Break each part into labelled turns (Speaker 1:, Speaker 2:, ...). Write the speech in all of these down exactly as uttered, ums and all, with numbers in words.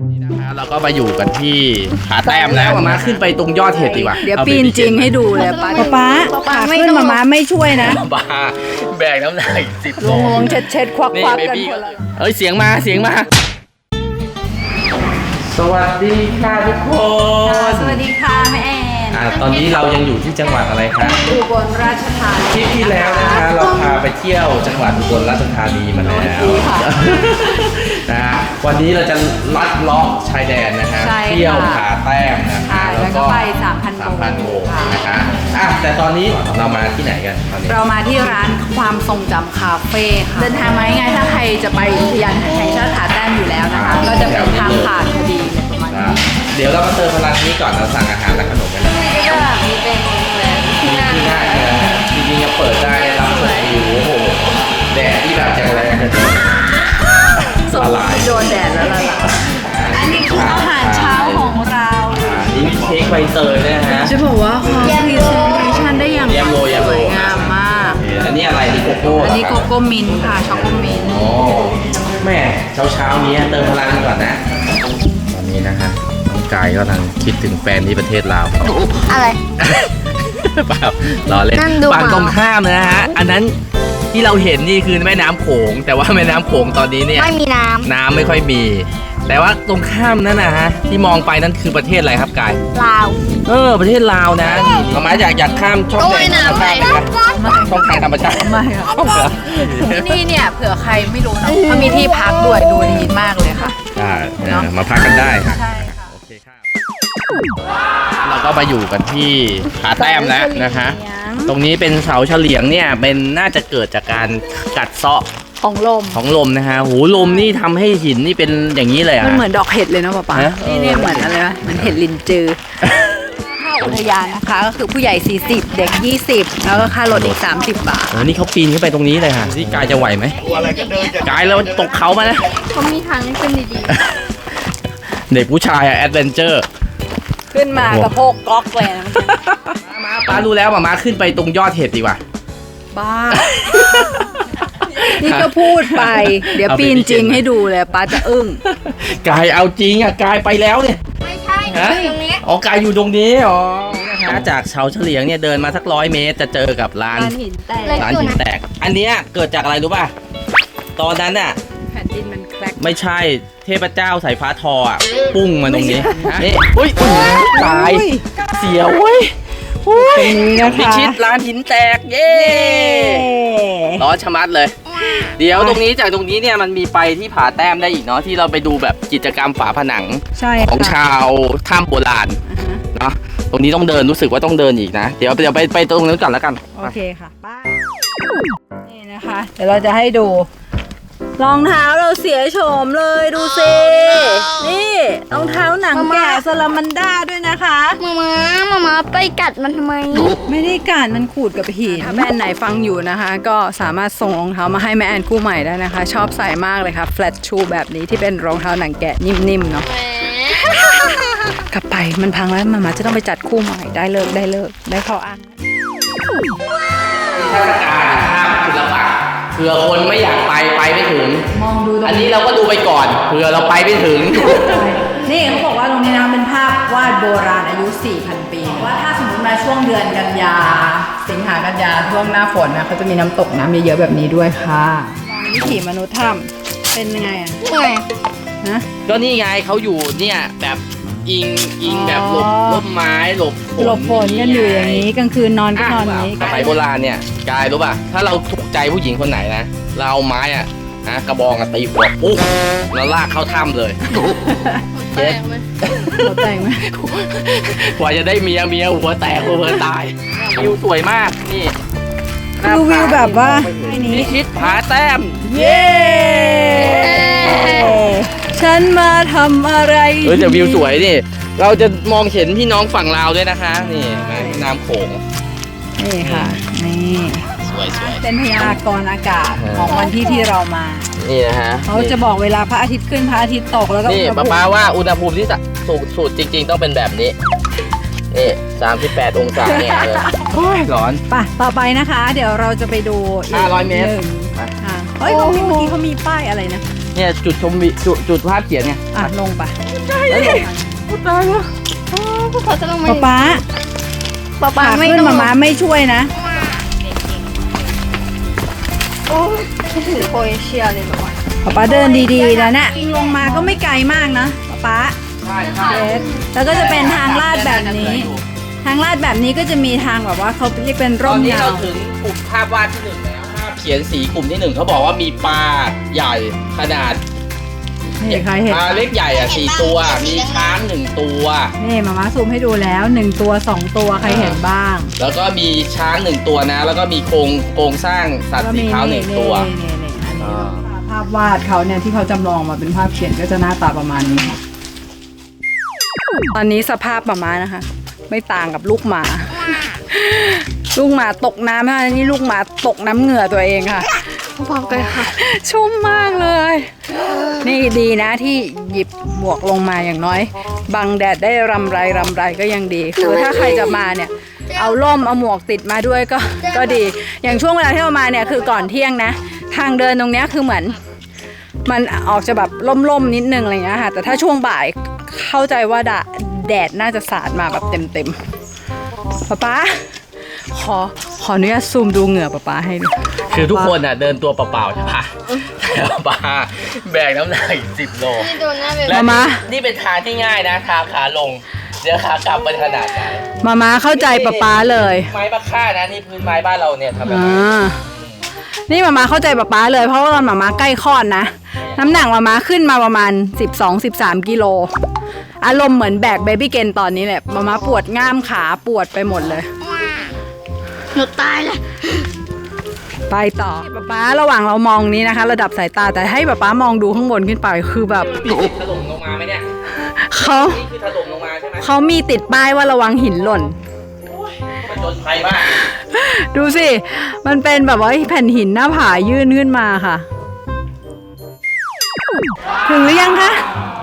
Speaker 1: นี่นะคะเราก็มาอยู่กันที่ผาแต้มแล้วมาขึ้นไปตรงยอดเห็ดดีกว่า
Speaker 2: เดี๋ยวปีนจริงให้ดูเลยป้าป้าป้าขึ้นมาม้าไม่ช่วยนะ
Speaker 1: บ้าแบกน้ำหนักสิบโล
Speaker 2: งงเช็ดเช็ดควักควักกันคนละ
Speaker 1: เอ้ยเสียงมาเสียงมาสวัสดีค่ะทุกคน
Speaker 2: สวัสดีค่ะแม่แอน
Speaker 1: อ่าตอนนี้เรายังอยู่ที่จังหวัดอะไรคะ
Speaker 2: อุบลราชธานี
Speaker 1: ทริปที่แล้วนะคะเราพาไปเที่ยวจังหวัดอุบลราชธานีมาแล้วนะวันนี้เราจะลัดเลาะชายแดนนะคะเที่ยวผาแต้มนะคะ
Speaker 2: แล้วก็ไปสามพัน
Speaker 1: สามพันโบกนะคะอ่ะแต่ตอนนี้เรามาที่ไหนกันตอนนี้
Speaker 2: เรามาที่ร้านความทรงจำคาเฟ่ค่ะเดินทางมาง่ายๆถ้าใครจะไปอุทยานแห่งชาติผาแต้มอยู่แล้วนะคะก็จะเป็นทางผ่านพอดีประมาณนี้
Speaker 1: เดี๋ยวเรามาเติมพลังนี้ก่อนเราสั่งอาหารและขนมกัน
Speaker 2: ก็มีเป็นที่นั่ง
Speaker 1: ง่ายเลยจริงๆจะเปิดได้รับชมวิวโอ้โหแดดที่แบบจะแรงเลยละลาย
Speaker 2: โดนแดดแล้วละลายอันนี้คืออาหารเช้าของเรา
Speaker 1: นี่มีเค้กใบเตยนะฮะ
Speaker 2: จะบอกว่าเขาพรีเซนเทชันได้อย่างสวยงามมาก
Speaker 1: อันนี้อะไรนี่โกโก้
Speaker 2: อันนี้โกโก้มินท์ค่ะช็อกโกมินท์
Speaker 1: โอ้แม่เช้าเช้านี้เติมพลังก่อนนะตอนนี้นะฮะน้องกายก็กำลังคิดถึงแฟนที่ประเทศลาว
Speaker 3: อะไร
Speaker 1: เปล่ารอเล่นฝั่งตรงข้ามนะฮะอันนั้นที่เราเห็นนี่คือแม่น้ำโขงแต่ว่าแม่น้ำโขงตอนนี้เนี่ย
Speaker 3: ไม่มีน้ำ
Speaker 1: น้ำไม่ค่อยมีแต่ว่าตรงข้ามนั่นนะฮะที่มองไปนั่นคือประเทศอะไรครับกาย
Speaker 3: ลาว
Speaker 1: เออประเทศลาวนะมามาอยากอยากข้ามช่องแดนธรรมชาติช่องทางธรรมชาติ
Speaker 2: ไม่ครับที่นี่เนี่ยเผื่อใครไม่รู้นะเขามีที่พักด้วยดูดีมากเลยค่ะ
Speaker 1: ได้มาพักกันได้ค่ะโอเคค่ะเราก็มาอยู่กันที่ผาแต้มแล้วนะคะตรงนี้เป็นเสาเฉลียงเนี่ยเป็นน่าจะเกิดจากการกัดเซาะ
Speaker 2: ของลม
Speaker 1: ของลมนะฮะหูลมนี่ทำให้หินนี่เป็นอย่างนี้เลยอ่ะ
Speaker 2: มันเหมือนดอกเห็ดเลยนะป๊าป๊านี่นี่เหมือนอะไรวะเหมือนเห็ดลินจือค่าอุทยานนะคะก็คือผู้ใหญ่สี่สิบเด็กยี่สิบแล้วก็ค่ารถอีกสามสิบบาท
Speaker 1: โอ้นี่เขาปีนขึ้นไปตรงนี้เลยค่ะที่กายจะไหวไหมกายแล้วตกเขามานะ
Speaker 3: เขามีทางให้ขึ้นดี
Speaker 1: ๆเด็กผู้ชายอะแอดเวนเจอร์
Speaker 2: ขึ้นมากระโปงก๊อกเลยนะ
Speaker 1: มาป้ารู้แล้วมามาขึ้นไปตรงยอดเห็ดดีกว่า
Speaker 2: บ้านี่ก็พูดไปเดี๋ยวปีนจริงให้ดูเลยป้าจะอึ้ง
Speaker 1: กายเอาจริงอ่ะกายไปแล้วเนี่ย
Speaker 3: ไม่ใช่ตรงนี้
Speaker 1: อ๋อกายอยู่ตรงนี้อ๋อนะคะจากเสาเฉลียงเนี่ยเดินมาสักร้อยเมตรจะเจอกับร้าน
Speaker 2: หินแตก
Speaker 1: ร้านหินแตกอันเนี้ยเกิดจากอะไรรู้ป่ะตอนนั้นน่ะ
Speaker 2: แผ่นดินมันแครก
Speaker 1: ไม่ใช่เทพเจ้าสายฟ้าทออ่ะปุ้งมาตรงนี้นี่อุ้ยตายเสียวเว้ยตรงนี้นะคะพิชิตร้านหินแตกเย้ร้อนชะมัดเลยเดี๋ยวตรงนี้จากตรงนี้เนี่ยมันมีไปที่ผาแต้มได้อีกเนาะที่เราไปดูแบบกิจกรรมฝาผนังของชาวถ้ำโบราณเนาะตรงนี้ต้องเดินรู้สึกว่าต้องเดินอีกนะเดี๋ยวเดี๋ยวไปไปตรงนั้นก่อนแล้วกัน
Speaker 2: โอเคค่ะป้านี่นะคะเดี๋ยวเราจะให้ดูรองเท้าเราเสียโฉมเลยดูสินี่รองเท้าหนังแกะซาลามันด้าด้วยนะคะ
Speaker 3: มามามามาไปกัดมันทำไม
Speaker 2: ไม่ได้กัดมันขูดกับหินถ้าแม่แอนไหนฟังอยู่นะคะก็สามารถส่งรองเท้ามาให้แม่แอนคู่ใหม่ได้นะคะชอบใส่มากเลยค่ะแฟลตชูแบบนี้ที่เป็นรองเท้าหนังแกะนิ่มๆเนาะกลับไปมันพังแล้วมามาจะต้องไปจัดคู่ใหม่ได้เลิกได้เลิกได้ข้ออ้าง
Speaker 1: เทศกาลข้ามศิลปะเผื่อคนไม่อยากไปไปไม่ถึง
Speaker 2: มองดู
Speaker 1: อันนี้เราก็ดูไปก่อนเผื่อเราไปไม่ถึง
Speaker 2: นี่เขาบอกว่าตรงนี้นะเป็นภาพวาดโบราณอายุ สี่พัน ปีว่าถ้าสมมติมาช่วงเดือนกันยาสิงหากันยาช่วงหน้าฝนนะเขาจะมีน้ำตกน้ำเยอะๆแบบนี้ด้วยค่ะวิถีมนุษย์ถ้ำเป็นยังไงอ่ะ
Speaker 3: ไง
Speaker 1: นะก็นี่ไงเขาอยู่เนี่ยแบบอิงอิงแบบหลบร่มไม้หลบ
Speaker 2: หลบฝนกันอยู่อย่างนี้กลางคืนนอนก็นอนอย่างนี้
Speaker 1: สมัยโบราณเนี่ยกายรู้ป่ะถ้าเราถูกใจผู้หญิงคนไหนนะเราเอาไม้อ่ะนะกระบองอ่ะตีหัวปุ๊บแล้วลากเข้าถ้ำเลย
Speaker 3: แตกไหม
Speaker 2: หัวแตกไหม
Speaker 1: กว่าจะได้เมียเมียหัวแตกหัวตายวิวสวยมากนี่
Speaker 2: ดูวิวแบบว่า
Speaker 1: พิชิตผาแต้ม
Speaker 2: เย้ฉันมาทำอะไร
Speaker 1: เฮ้ยแต่วิวสวยนี่เราจะมองเห็นพี่น้องฝั่งลาวด้วยนะคะนี่แม่น้ำโขง
Speaker 2: นี่ค่ะนี่
Speaker 1: สวยสวย
Speaker 2: เป็นพยากรณ์อากาศของวันที่ที่เรามา
Speaker 1: นี่นะฮะ
Speaker 2: เขาจะบอกเวลาพระอาทิตย์ขึ้นพระอาทิตย์ตกแล้วก็
Speaker 1: นี่ป้าป้าว่าอุณหภูมิที่สูงสุดจริงๆต้องเป็นแบบนี้นี่สามสิบแปดองศาเนี่ยเลยโอ้ยร้อน
Speaker 2: ป่ะต่อไปนะคะเดี๋ยวเราจะไปดู
Speaker 1: ห้าร้อยเมตร
Speaker 2: อ่าเฮ้ยตรงนี้เมื่อกี้เขามีป้ายอะไรนะ
Speaker 1: เนี่ยจุดชมวิจุดจุดภาพเขียนไง
Speaker 2: อ่ะลงไป
Speaker 1: แล้วลงตายแล้ว
Speaker 3: พวกเขาจะลงมา
Speaker 2: ป๊าป๊า
Speaker 3: ป๊าป๊า
Speaker 2: ขา
Speaker 3: ไม่
Speaker 2: ขึ้น
Speaker 3: ลง
Speaker 2: มาม้าไม่ช่วยนะ
Speaker 3: โอ้ถือโคเอเชียเลยแบบว่า
Speaker 2: ป๊าป๊าเดินดีๆนะเนี่ยลงมาก็ไม่ไกลมากนะป๊าป๊า
Speaker 1: ใช่ใช่
Speaker 2: เดแล้วก็จะเป็นทางลาดแบบนี้ ทางลาดแบบนี้ก็จะมีทางแบบว่าเขาเรียกเป็น
Speaker 1: ต
Speaker 2: ร่
Speaker 1: อน
Speaker 2: ม
Speaker 1: นี้
Speaker 2: เงา
Speaker 1: เราถึงกลุ่มภาพวาดที่หนึ่งแล้วภาพเขียนสีกลุ่มที่หนึ่งเขาบอกว่ามีปลาใหญ่ขนาด
Speaker 2: นี่ใครเห็น
Speaker 1: ปลาเล็กใหญ่อ่ะสี่ตัว มีช้างหนึ่งตัว
Speaker 2: นี่มาม่าซูมให้ดูแล้วหนึ่งตัวสองตัวใครเห็นบ้าง
Speaker 1: แล้วก็มีช้างหนึ่งตัวนะ แล้วก็มีโครงโครงสร้างสัตว์สีขาวหนึ่งตัว
Speaker 2: นี่นี่อันนี้
Speaker 1: อ่า
Speaker 2: ภาพวาดเขาเนี่ยที่เขาจำลองมาเป็นภาพเขียนก็จะหน้าตาประมาณนี้ค่ะ ตอนนี้สภาพมาม่านะคะ ไม่ต่างกับลูกหมา ลูกหมาตกน้ำนะนี่ลูกหมาตกน้ำเหงื่อตัวเองค่ะ
Speaker 3: พร้อมกันค่ะ
Speaker 2: ชุ่มมากเลย นี่ดีนะที่หยิบหมวกลงมาอย่างน้อย บังแดดได้รำไรรำไรก็ยังดี คือถ้าใครจะมาเนี่ย เอาร่มเอาหมวกติดมาด้วยก็ก็ดี อย่างช่วงเวลาที่เรามาเนี่ยคือก่อนเที่ยงนะ ทางเดินตรงเนี้ยคือเหมือน มันออกจะแบบล่มๆนิดนึงอะไรเงี้ยค่ะ แต่ถ้าช่วงบ่ายเข้าใจว่าดะแดดน่าจะสาดมาแบบเต็มๆป๊าป๊าขอขออนุญาตซูมดูเหงื่อป๊าป๊าให้ดู
Speaker 1: คือทุกคนอ่ะเดินตัวเปล่าๆใช่ปะแต่ปลาแบกน้ำหนักอีกสิบโล
Speaker 3: นี่โดนหน้าเบล
Speaker 1: และ
Speaker 2: มามา
Speaker 1: นี่เป็นทางที่ง่ายนะ ทางขาลง เดี๋ยวขากลับเป็นขนาดไหน
Speaker 2: มามาเข้าใจป๊าป๊าเลย
Speaker 1: ไม้มะค่านะนี่พื้นไม้บ้านเราเนี่ยทำแบบ
Speaker 2: อ่
Speaker 1: นี้
Speaker 2: านี่มามาเข้าใจป๊าป๊าเลยเพราะว่าตอนมามาใกล้คลอดนะ น้ำหนักมามาขึ้นมาประมาณ สิบสอง สิบสาม กิโล อารมณ์เหมือนแบกเบบี้เกนตอนนี้แหละมามาปวดง่ามขาปวดไปหมดเลย
Speaker 3: หนูตายเลย
Speaker 2: ไปต่อป๊าป๊าระหว่างเรามองนี้นะคะ ระดับสายตาแต่ให้ป๊าป๊ามองดูข้างบนขึ้นไปคือแบบ
Speaker 1: ถล่มลงมาไหมเนี่ย
Speaker 2: เขา
Speaker 1: นี่คือถล่มลงมาใช่ไหม
Speaker 2: เขามีติดป้ายว่าระวังหินหล่น
Speaker 1: มันจนภัยมาก
Speaker 2: ดูสิ มันเป็นแบบว่าแผ่นหินหน้าผายื่นขึ้นมาค่ะ ถึงหรือยังคะ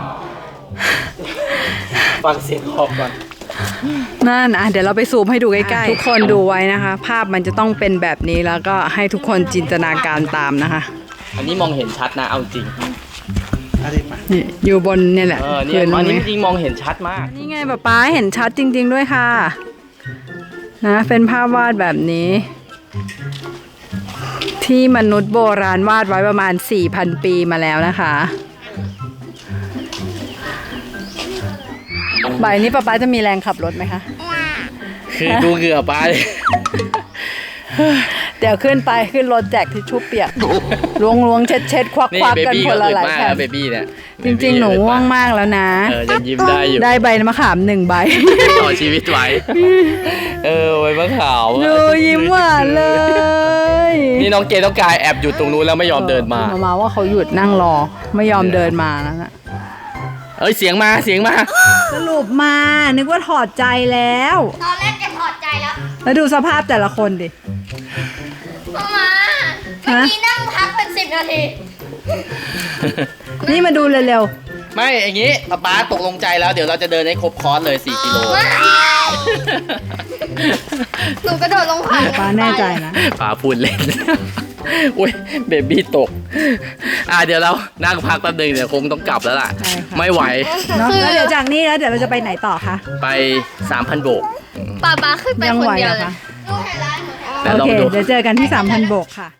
Speaker 1: ฟังเสียงขอบก่อน
Speaker 2: นั่นอ่ะเดี๋ยวเราไปซูมให้ดูใกล้ๆ ทุกคนดูไว้นะคะ ภาพมันจะต้องเป็นแบบนี้แล้วก็ให้ทุกคนจินตนาการตามนะคะ
Speaker 1: อันนี้มองเห็นชัดนะเอาจริง
Speaker 2: นี่อยู่บนเนี่ยแหละ
Speaker 1: เออเนี่ย
Speaker 2: คืตร
Speaker 1: อันนี้
Speaker 2: นี้
Speaker 1: จริงๆมองเห็นชัดมาก
Speaker 2: นี่ไงป๊าป๊าเห็นชัดจริง ๆด้วยค่ะ นะเป็นภาพวาดแบบนี้ ที่มนุษย์โบราณวาดไว้ประมาณ สี่พัน ปีมาแล้วนะคะบ่ายนี้ป๊าป๊าจะมีแรงขับรถไหมคะ
Speaker 1: คือดูเหงื่อปลาเลย
Speaker 2: เดี๋ยวขึ้นไปขึ้นรถแจกทิชชู่เปียกล้วงล้วงเช็ดเช็ดควัก
Speaker 1: นี่
Speaker 2: ควัก
Speaker 1: เบ
Speaker 2: กัน
Speaker 1: บี้
Speaker 2: ค
Speaker 1: ก็
Speaker 2: นละ
Speaker 1: อึด
Speaker 2: หลาย
Speaker 1: มาก
Speaker 2: แผ่น
Speaker 1: นะเบบี้เนี่ย
Speaker 2: จริงๆ หนูง่วงมากแล้วนะ
Speaker 1: เออยังยิ้มได้อยู่
Speaker 2: ได้ใบมะขามหนึ่งใบ
Speaker 1: ต่อชีวิตไว้ เออไว้มะขาว
Speaker 2: ดูยิ้มหวานเลย
Speaker 1: นี่น้องเกดน้องกายแอบอยู่ตรงนู้นแล้วไม่ยอมเดินมา
Speaker 2: มามาว่าเขาหยุดนั่งรอไม่ยอมเดินมาแล้วนะ
Speaker 1: เอ้ยเสียงมาเสียงมา
Speaker 2: สรุปมานึกว่าถอดใจแล้ว
Speaker 3: ตอนแรกจะถอดใจแล้ว
Speaker 2: แล้วดูสภาพแต่ละคนดิ
Speaker 3: มามาเมื่อกี้นั่งพักเป็นสิบนาที
Speaker 2: นี่มาดูเร็ว
Speaker 1: ไม่อย่างงี้ป๊าป๊าตกลงใจแล้วเดี๋ยวเราจะเดินให้ครบคอร์สเลยสี่กิโล
Speaker 3: หนูกระโดดลงผ่าน
Speaker 2: ๆป้าแน่ใจนะ
Speaker 1: ป๊าพูดเล่น อุ้ยเบบี้ตก อ่ะเดี๋ยวเรานั่งพักแป๊บนึงเดี๋ยวคงต้องกลับแล้วล่ะ
Speaker 2: ใช่ค่ะ
Speaker 1: ไม่ไหว
Speaker 2: เนาะแล้วเดี๋ยวจากนี้แล้วเดี๋ยวเราจะไปไหนต่อคะ
Speaker 1: ไป สามพัน โบก
Speaker 3: ป้าป้าขึ้นไป
Speaker 2: ยัง
Speaker 3: คน
Speaker 2: ไหว
Speaker 3: เดียว
Speaker 2: เหรอ
Speaker 3: เลย
Speaker 2: คะ
Speaker 3: หนูเห็นร้านหนูเห็น
Speaker 1: แต่
Speaker 2: โอ
Speaker 1: ลอง
Speaker 2: เค
Speaker 1: ดู
Speaker 2: เดี๋ยวเจอกันที่ สามพัน โบกค่ะ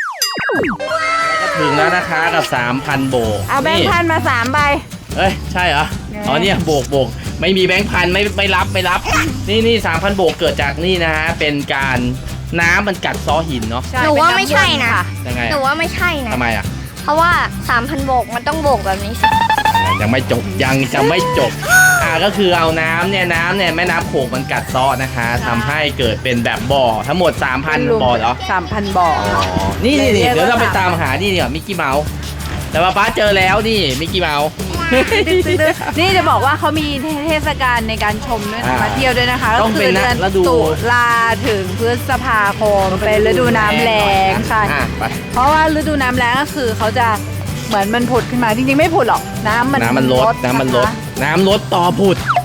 Speaker 1: ถึงแล้วนะคะกับ สามพัน โบก
Speaker 2: เอาแบงค์พันมาสามใบ
Speaker 1: เอ้ยใช่เหรอ อ๋อเนี่ยโบกโบกไม่มีแบงค์พันไม่ไม่รับไม่รับ นี่นี่สามพันโบกเกิดจากนี่นะฮะเป็นการน้ำมันกัดซ้อหินเนาะ
Speaker 3: หนูว่าไม่ใช่นะ
Speaker 1: ยังไง
Speaker 3: หนูว่าไม่ใช่นะ
Speaker 1: ทำไมอ่ะ
Speaker 3: เพราะว่าสามพันโบกมันต้องโบกแบบนี้สิ
Speaker 1: ยังไม่จบยังจะไม่จบ อ่าก็คือเอาน้ำเนี่ยน้ำเนี่ยแม่น้ำโขงมันกัดเซ้อนะคะทำให้เกิดเป็นแบบบ่อทั้งหมด สามพัน บ่อเหรอ
Speaker 2: สามพันบ่อ
Speaker 1: อ๋อ นี่นี่นี่
Speaker 2: เรียกว่า
Speaker 1: เดี๋ยวเราไปตามหานี่เนี่ยมิกกี้เมาส์แต่ว่าป้าเจอแล้วนี่มิกกี้เมาส์
Speaker 2: นี่จะบอกว่าเขามีเทศกาลในการชมด้วยนะ
Speaker 1: อ่า
Speaker 2: มาเที่ยวด้วยนะคะ
Speaker 1: ต้องเป็น
Speaker 2: ก็คื
Speaker 1: นะ
Speaker 2: ดื
Speaker 1: ฤดู
Speaker 2: ตุลาถึงพฤษภาคมเป็นฤดูน้ำแล้งใช่
Speaker 1: อ่ะไป
Speaker 2: เพราะว่าฤดูน้ำแล้งก็คือเขาจะเหมือนมันผุดขึ้นมาจริงๆไม่ผุดหรอกน้ำมัน
Speaker 1: น้ำมันลดน้ำมันลด
Speaker 2: ะคะ
Speaker 1: น้ำลดต่อผุด
Speaker 2: น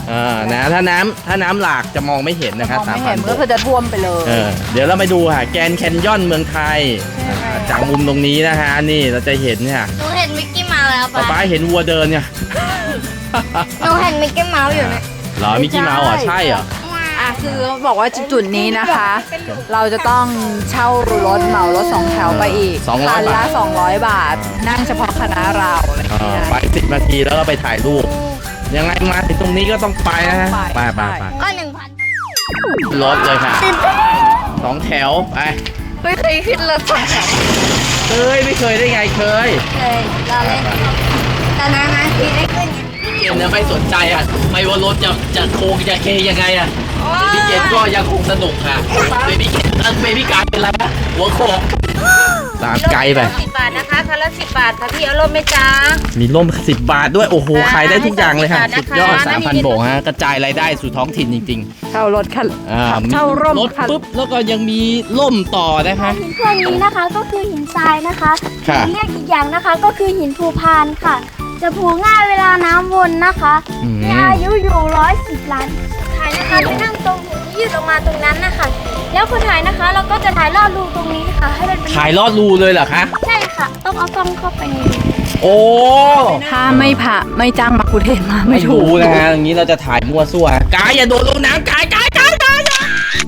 Speaker 1: เออนะถ้าน้ำถ้าน้ำหลากจะมองไม่เห็นนะค
Speaker 2: ม
Speaker 1: รับ
Speaker 2: อง
Speaker 1: สาม
Speaker 2: ไม่
Speaker 1: พั
Speaker 2: เห็
Speaker 1: น
Speaker 2: นก็คือจะท่วมไปเลย
Speaker 1: เออเดี๋ยวเราไปดูค่ะแกรนด์แคนยอนเมืองไทยอ่าจากมุมตรงนี้นะฮะนี่เราจะเห็นเนี่ย
Speaker 3: หนูเห็นมิกกี้เมาส์แล้ว
Speaker 1: ป๊า
Speaker 3: ปะ
Speaker 1: ป๊าเห็นวัวเดินเนี่ย
Speaker 3: หนูเห็นมิกกี้เมาส์อยู่เนี่ย
Speaker 1: เหรอมิกกี้เมาส์เหรอใช่เหรอ
Speaker 2: อ่ะคือเขาบอกว่าจุดนี้นะคะ เราจะต้องเช่ารถเหมารถสองแถวไปอีก
Speaker 1: สองร้อย
Speaker 2: คัน
Speaker 1: บา
Speaker 2: ละ
Speaker 1: ท
Speaker 2: สองร้อยบาท นั่งเฉพาะคณะเราอะไรอย่าง
Speaker 1: เอ
Speaker 2: เงี้
Speaker 1: อย ไปสิบนาทีแล้วก็ไปถ่ายรูปยังไงมาถึงตรงนี้ก็ต้องไปนะฮะไปไปไป
Speaker 3: ก็หนึ่งพัน
Speaker 1: รถเลยค่ะสองแถวไป
Speaker 3: ไม่เคยขึ้นรถสองแถว
Speaker 1: เคยไม่เคยได้ไงเคย
Speaker 3: เลยเราเล่นแต่นานๆทีได้ขึ้นไง
Speaker 1: พี่เกณฑ์เนี่ยไม่สนใจอ่ะไม่ว่ารถจะจะโค้งจะเคยังไงอ่ะพี่เกณฑ์ก็ยังคงสนุกค่ะเบบี้เกณฑ์เออเบบี้การเป็นไรนะหัวโขกตามไกลไป
Speaker 3: สิบบาทนะคะคันละสิบบาทค่ะพี่เอาร่มไหมจ๊ะ
Speaker 1: มีร่มสิบบาทด้วยโอ้โหขายได้ทุกอย่างเลยค่ะ
Speaker 3: ให้
Speaker 1: สุดยอด
Speaker 3: สิบบาทนะคะ
Speaker 1: สามพันโบกฮะกระจายรายได้สู่ท้องถิ่นจริง
Speaker 2: เช่ารถคัน
Speaker 1: ๆอ่ามี
Speaker 2: เช่าร่ม
Speaker 1: รถ
Speaker 2: คัน
Speaker 1: ปุ๊บแล้วก็ยังมีร่มต่อนะคะ
Speaker 4: หินพวกนี้นะคะก็คือหินทรายนะคะ
Speaker 1: ค่ะ
Speaker 4: เรียกอีกอย่างนะคะก็คือหินภูพานค่ะ จะผูง่ายเวลาน้ำวนนะคะ
Speaker 1: อืม
Speaker 4: มีอายุอยู่ร้อยสิบล้านถ่ายนะคะจะนั่งตรงหินที่ยืดออกมาตรงนั้นนะคะ แล้วคนถ่ายนะคะ เราก็จะถ่ายลอดรูตรงนี้ค่ะ ให้มันเป็น
Speaker 1: ถ่ายลอดรูเลยเหรอคะ
Speaker 4: ใช่ค่ะ ต้องเอากล้องเข้าไปในรู
Speaker 1: โอ้
Speaker 2: ถ้าไม่ผ่าไม่จ้างมาคุเทศมาไม่
Speaker 1: ไม่
Speaker 2: ถู
Speaker 1: รู้
Speaker 2: ก
Speaker 1: นะฮะอย่างนี้เราจะถ่ายมั่วซั่วกายอย่าโดดลงน้ำกายกายกายกายอย่า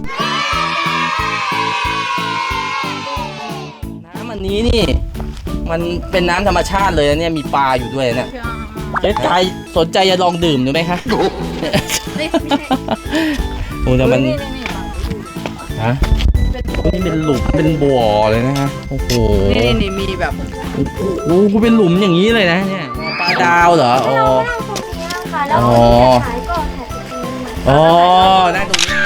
Speaker 1: น้ำอันนี้นี่ มันเป็นน้ำธรรมชาติเลยนะเนี่ยมีปลาอยู่ด้วยเนี่ยเจ๊กายสนใจจะลองดื่มดูไหมคะโอ้แต่มันฮะโอ้นี่เป็นหลุมเป็นบ่อเลยนะฮะโอ้โห
Speaker 2: นี่นี่มีแบบ
Speaker 1: โอ้โหเป็นหลุมอย่างนี้เลยนะเนี่ยปลาดาวเหรออ๋อ
Speaker 4: เรานั่งตรงนี้ค่ะ แล้วคนที่จะถ่ายก็ถ่ายตรงนี้เหมือน
Speaker 1: อ๋อได้ตรงนี้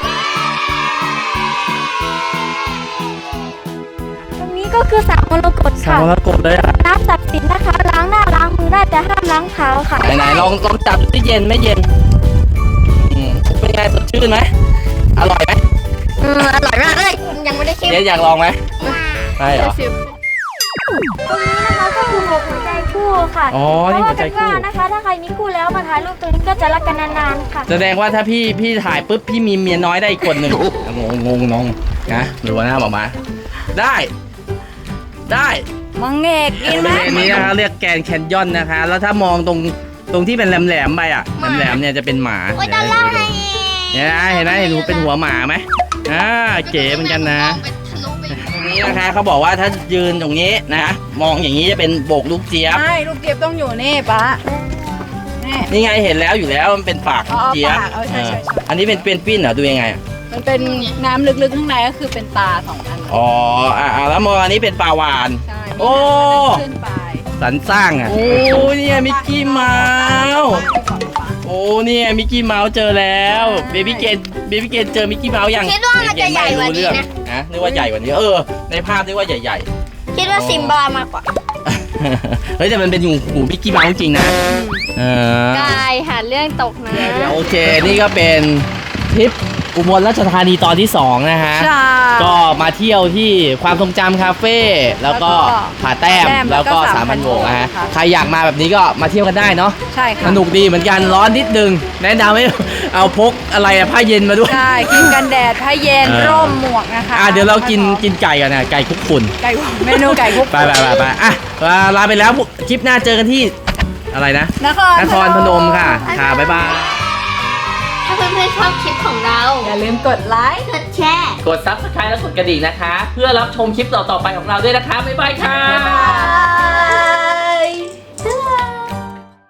Speaker 4: ตรงนี้ก็คือสระมรกต
Speaker 1: สา
Speaker 4: ค่ะ
Speaker 1: วแล้วกดเลยอ่ะ
Speaker 4: น้ำศักดิ์สิทธิ์นะคะ ล้างหน้าล้างมือได้แต่ห้ามล้างเท้าค่ะ
Speaker 1: ไหนๆลองลองจับดูที่เย็นไหม่เย็นอืมเป็นไงสดชื่นไหมอร่อยไหม
Speaker 3: เอออร่อยมากเลยยังไม่ได้ชิม
Speaker 1: เจ๊อยากลองไหมใช่เหรอ
Speaker 4: ตรงนี้นะคะก็คือหกหัวใจคู่ค่ะ
Speaker 1: อ๋อ
Speaker 4: เพ
Speaker 1: นี่
Speaker 4: ราะ
Speaker 1: หั
Speaker 4: ว่าว
Speaker 1: ใจ
Speaker 4: กัน
Speaker 1: คู่
Speaker 4: ว่านะคะ ถ้าใครมีคู่แล้วมาถ่ายรูปตรงนี้ก็จะรักกันนานๆค่ะ
Speaker 1: แสดงว่าถ้าพี่พี่ถ่ายปุ๊บพี่มีเมียน้อยได้อีกคนหนึ่งงงงงงงนะดูนะบอกมา ได้ ได้
Speaker 2: มังเงกกิน
Speaker 1: บ
Speaker 2: ไหม
Speaker 1: ริเวณนี้นะคะเรียกแกรนด์แคนยอนนะคะ แล้วถ้ามองตรงตรงที่เป็นแหลมๆไปอ่ะแหลมๆเนี่ยจะเป็นหมา
Speaker 3: โอ้ยจะเล่าให้
Speaker 1: เนี่ยนะเห็นไหมเห็นหนูเป็นหัวหมาไหมอ่าเก๋เหมือนกันนะ ตรงนี้นะคะเขาบอกว่าถ้ายืนตรงนี้นะมองอย่างนี้จะเป็นโบกลูกเจี๊ยบ
Speaker 2: ใช่ลูกเจี๊ยบต้องอยู่นี่ปะนี่
Speaker 1: นี่ไงเห็นแล้วอยู่แล้วมันเป็นปากลูกเจี๊ยบ
Speaker 2: อ๋อปากเออใช่ใช่ใช่
Speaker 1: เอออันนี้เป็นเป็นปิ้นเหรอดูยังไงอะ
Speaker 2: มันเป็นน้ำลึกๆข้างในก็คือเป็นตาสองอัน
Speaker 1: อ๋ออ่าแล้วมองอันนี้เป็นปลาวาน
Speaker 2: ใช่
Speaker 1: โอ้
Speaker 2: ขึ้นไป
Speaker 1: สรรสร้างอ่ะโอ้เนี่ยมิกกี้เมาส์โอ้เนี่ยมิกกี้เมาส์เจอแล้วเบบี้เกนเบบี้เกนเจอมิกกี้เมาส์ยัง
Speaker 3: คิดว่ามันจะใหญ่กว่านี้นะ
Speaker 1: นะนึกว่าใหญ่กว่านี้เออในภาพนึกว่าใหญ่
Speaker 3: คิดว่าซิมบามากกว่า
Speaker 1: ๆ เฮ้ยแต่มันเป็นหูหูมิกกี้เมาส์จริงนะเออ
Speaker 3: กายหาเรื่องตกนะ
Speaker 1: โอเค นี่ก็เป็นทริปอุบลราชธานีตอนที่สองนะฮะ
Speaker 2: ใช่
Speaker 1: ก็มาเที่ยวที่ความทรงจำคาเฟ่แล้วก็
Speaker 2: แล้วก็
Speaker 1: ผาแต้ม
Speaker 2: ผาแต้ม
Speaker 1: แล้วก็
Speaker 2: แล้วก็
Speaker 1: สามพันโบกนะฮะ
Speaker 2: ค่ะ
Speaker 1: ใครอยากมาแบบนี้ก็มาเที่ยวกันได้เนาะ
Speaker 2: ใช่
Speaker 1: ส
Speaker 2: ค่ะ
Speaker 1: นุกดีเหมือนกันร้อนนิดนึง แนะนำให้ เอาพกอะไรอะผ้าเย็นมาด้วย
Speaker 2: ใช่กินกันแดดผ้าเย็น
Speaker 1: เออ
Speaker 2: ร่มหมวกนะคะ
Speaker 1: อ่ะเดี๋ยวเรากินกินไก่กันนะไก่คลุกฝุ่น
Speaker 2: ไก่เมนูไก่คุก
Speaker 1: ไปไปไปไปอ่ะลาไปแล้วคลิปหน้าเจอกันที่อะไรนะ
Speaker 2: นคร
Speaker 1: นครพนมค่ะค่ะบ๊ายบาย
Speaker 3: ถ้าเพื่อนๆชอบคลิปของเรา
Speaker 2: อย่าลืมกดไลค์
Speaker 3: กดแชร์
Speaker 1: กดซับสไครต์และกดกระดิ่งนะคะ เพื่อรับชมคลิปต่อๆไปของเราด้วยนะคะบ๊ายบายค่ะ
Speaker 2: บ๊ายบาย